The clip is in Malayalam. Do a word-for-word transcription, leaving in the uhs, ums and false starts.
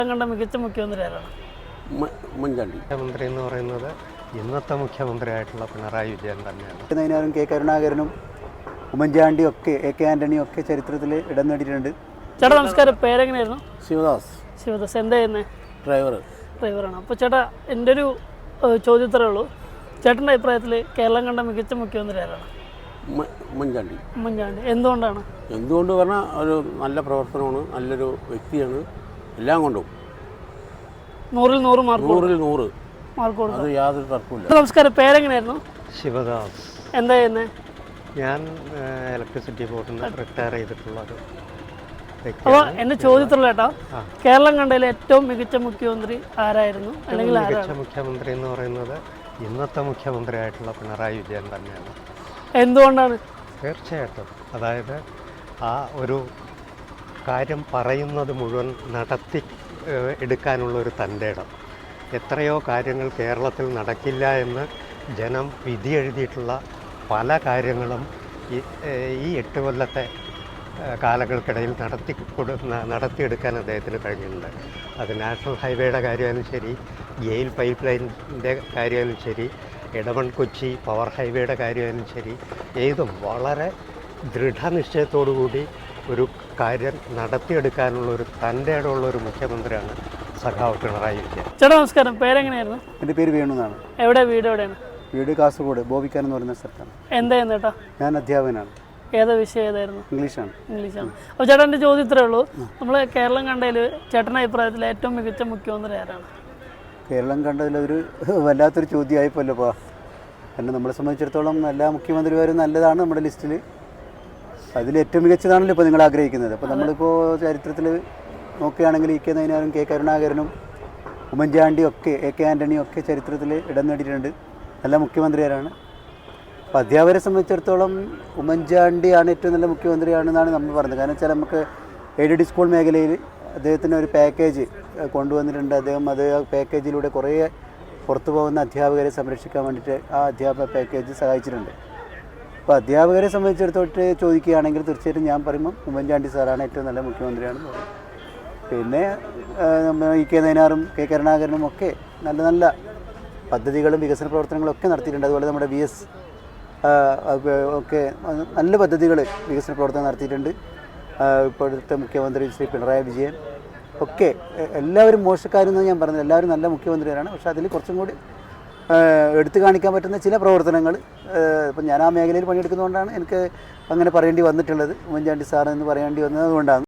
കണ്ട മികച്ച മുഖ്യമന്ത്രി ആരാണ്? ഉമ്മൻചാണ്ടി. മുഖ്യമന്ത്രി എന്ന് പറയുന്നത് ഇന്നത്തെ മുഖ്യമന്ത്രിയായിട്ടുള്ള പിണറായി വിജയൻ തന്നെയാണ്. കെ കരുണാകരനും ഉമ്മൻചാണ്ടിയും ഒക്കെ എ കെ ആന്റണിയും ഒക്കെ ചരിത്രത്തിൽ ഇടം നേടിയിട്ടുണ്ട്. ചേട്ടാ നമസ്കാരം, പേരെങ്ങനെയായിരുന്നു? ശിവദാസ്. ശിവദാസ്. എന്താ ചെയ്യുന്നത്? ഡ്രൈവർ. ഡ്രൈവറാണ്. അപ്പോൾ ചേട്ടാ, എൻ്റെ ഒരു ചോദ്യത്രേ ഉള്ളൂ. ചേട്ടൻ്റെ അഭിപ്രായത്തിൽ കേരളം കണ്ട മികച്ച മുഖ്യമന്ത്രി ആരാണ്? ഉമ്മൻചാണ്ടി. ഉമ്മൻചാണ്ടി. എന്തുകൊണ്ടാണ്? എന്തുകൊണ്ട് പറഞ്ഞാൽ ഒരു നല്ല പ്രവർത്തനമാണ്, നല്ലൊരു വ്യക്തിയാണ്, എല്ലാം കൊണ്ടും നൂറിൽ നൂറ് മാർക്ക് നൂറിൽ നൂറ് മാർക്ക് കൊടുക്കും. അത് യാതൊരു തർക്കമില്ല. നമസ്കാരം, പേരെങ്ങനെയായിരുന്നു? ശിവദാസ്. എന്താ ചെയ്യുന്നത്? ഞാൻ ഇലക്ട്രിസിറ്റി ബോർഡിൽ നിന്ന് റിട്ടയർ ചെയ്തിട്ടുള്ള ഒരു വ്യക്തി. അപ്പോൾ എൻ്റെ ചോദ്യത്തിലുള്ള ചേട്ടാ, കേരളം കണ്ടതിൽ ഏറ്റവും മികച്ച മുഖ്യമന്ത്രി ആരായിരുന്നു, അല്ലെങ്കിൽ മികച്ച മുഖ്യമന്ത്രി എന്ന് പറയുന്നത് ഇന്നത്തെ മുഖ്യമന്ത്രിയായിട്ടുള്ള പിണറായി വിജയൻ തന്നെയാണ്. എന്തുകൊണ്ടാണ്? തീർച്ചയായിട്ടും. അതായത് ആ ഒരു കാര്യം പറയുന്നത് മുഴുവൻ നടത്തി എടുക്കാനുള്ളൊരു തൻ്റെ ഇടം. എത്രയോ കാര്യങ്ങൾ കേരളത്തിൽ നടക്കില്ല എന്ന് ജനം വിധി എഴുതിയിട്ടുള്ള പല കാര്യങ്ങളും ഈ ഈ എട്ട് കൊല്ലത്തെ കാലങ്ങൾക്കിടയിൽ നടത്തി കൊടു നടത്തിയെടുക്കാൻ അദ്ദേഹത്തിന് കഴിഞ്ഞിട്ടുണ്ട്. അത് നാഷണൽ ഹൈവേയുടെ കാര്യമായാലും ശരി, ഗെയിൽ പൈപ്പ് ലൈനിൻ്റെ കാര്യമായാലും ശരി, ഇടമൺ കൊച്ചി പവർ ഹൈവേയുടെ കാര്യമായാലും ശരി, ഏതും വളരെ ദൃഢനിശ്ചയത്തോടു കൂടി ഒരു കാര്യം നടത്തിയെടുക്കാനുള്ള ഒരു തൻ്റെ ഇടമുള്ള ഒരു മുഖ്യമന്ത്രിയാണ് സഖാവ് പിണറായി വിജയൻ. ചേട്ടാ നമസ്കാരം, പേരെങ്ങനെയായിരുന്നു? എൻ്റെ പേര് വേണു എന്നാണ്. എവിടെ വീട്? എവിടെയാണ് വീട്? കാസർഗോഡ് ബോബിക്കാൻ എന്ന് പറയുന്ന സ്ഥലത്താണ്. എന്തായിരുന്നു ചേട്ടാ? ഞാൻ അധ്യാപകനാണ്. ഏതാ വിഷയം ഏതായിരുന്നു? ഇംഗ്ലീഷാണ്. ഇംഗ്ലീഷാണ്. അപ്പോൾ ചേട്ടാ, എൻ്റെ ചോദ്യം ഇത്രേ ഉള്ളൂ. നമ്മൾ കേരളം കണ്ടതിൽ ചേട്ടൻ്റെ അഭിപ്രായത്തിൽ ഏറ്റവും മികച്ച മുഖ്യമന്ത്രി ആരാണ്? കേരളം കണ്ടതിലൊരു വല്ലാത്തൊരു ചോദ്യമായിപ്പോല്ലോ ഇപ്പോൾ. കാരണം നമ്മളെ സംബന്ധിച്ചിടത്തോളം എല്ലാ മുഖ്യമന്ത്രിമാരും നല്ലതാണ് നമ്മുടെ ലിസ്റ്റിൽ. അതിൽ ഏറ്റവും മികച്ചതാണല്ലോ ഇപ്പോൾ നിങ്ങൾ ആഗ്രഹിക്കുന്നത്. അപ്പോൾ നമ്മളിപ്പോൾ ചരിത്രത്തിൽ നോക്കുകയാണെങ്കിൽ ഇ കെ നയനാരും കെ കരുണാകരനും ഉമ്മൻചാണ്ടിയും ഒക്കെ എ കെ ആന്റണിയും ഒക്കെ ചരിത്രത്തിൽ ഇടം നേടിയിട്ടുണ്ട്. നല്ല മുഖ്യമന്ത്രിമാരാണ്. അപ്പോൾ അധ്യാപകരെ സംബന്ധിച്ചിടത്തോളം ഉമ്മൻചാണ്ടിയാണ് ഏറ്റവും നല്ല മുഖ്യമന്ത്രിയാണെന്നാണ് നമ്മൾ പറഞ്ഞത്. കാരണം വെച്ചാൽ നമുക്ക് എയ്ഡഡ് സ്കൂൾ മേഖലയിൽ അദ്ദേഹത്തിന് ഒരു പാക്കേജ് കൊണ്ടുവന്നിട്ടുണ്ട്. അദ്ദേഹം അത് ആ പാക്കേജിലൂടെ കുറേ പുറത്തു പോകുന്ന അധ്യാപകരെ സംരക്ഷിക്കാൻ വേണ്ടിയിട്ട് ആ അധ്യാപക പാക്കേജ് സഹായിച്ചിട്ടുണ്ട്. അപ്പോൾ അധ്യാപകരെ സംബന്ധിച്ചിടത്തോട്ട് ചോദിക്കുകയാണെങ്കിൽ തീർച്ചയായിട്ടും ഞാൻ പറയുമ്പം ഉമ്മൻചാണ്ടി സാറാണ് ഏറ്റവും നല്ല മുഖ്യമന്ത്രിയാണെന്ന് പറയും. പിന്നെ ഇ കെ നയനാറും കെ കരുണാകരനും ഒക്കെ നല്ല നല്ല പദ്ധതികളും വികസന പ്രവർത്തനങ്ങളും ഒക്കെ നടത്തിയിട്ടുണ്ട്. അതുപോലെ നമ്മുടെ വി എസ് ഒക്കെ നല്ല പദ്ധതികൾ വികസന പ്രവർത്തനം നടത്തിയിട്ടുണ്ട്. ഇപ്പോഴത്തെ മുഖ്യമന്ത്രി ശ്രീ പിണറായി വിജയൻ ഒക്കെ എല്ലാവരും മോശക്കാരെന്ന് ഞാൻ പറഞ്ഞത്, എല്ലാവരും നല്ല മുഖ്യമന്ത്രിമാരാണ്. പക്ഷേ അതിൽ കുറച്ചും കൂടി എടുത്തു കാണിക്കാൻ പറ്റുന്ന ചില പ്രവർത്തനങ്ങൾ, ഇപ്പം ഞാൻ ആ മേഖലയിൽ പണിയെടുക്കുന്നതുകൊണ്ടാണ് എനിക്ക് അങ്ങനെ പറയേണ്ടി വന്നിട്ടുള്ളത്. ഉമ്മൻചാണ്ടി സാർ എന്ന് പറയേണ്ടി വന്നത് അതുകൊണ്ടാണ്.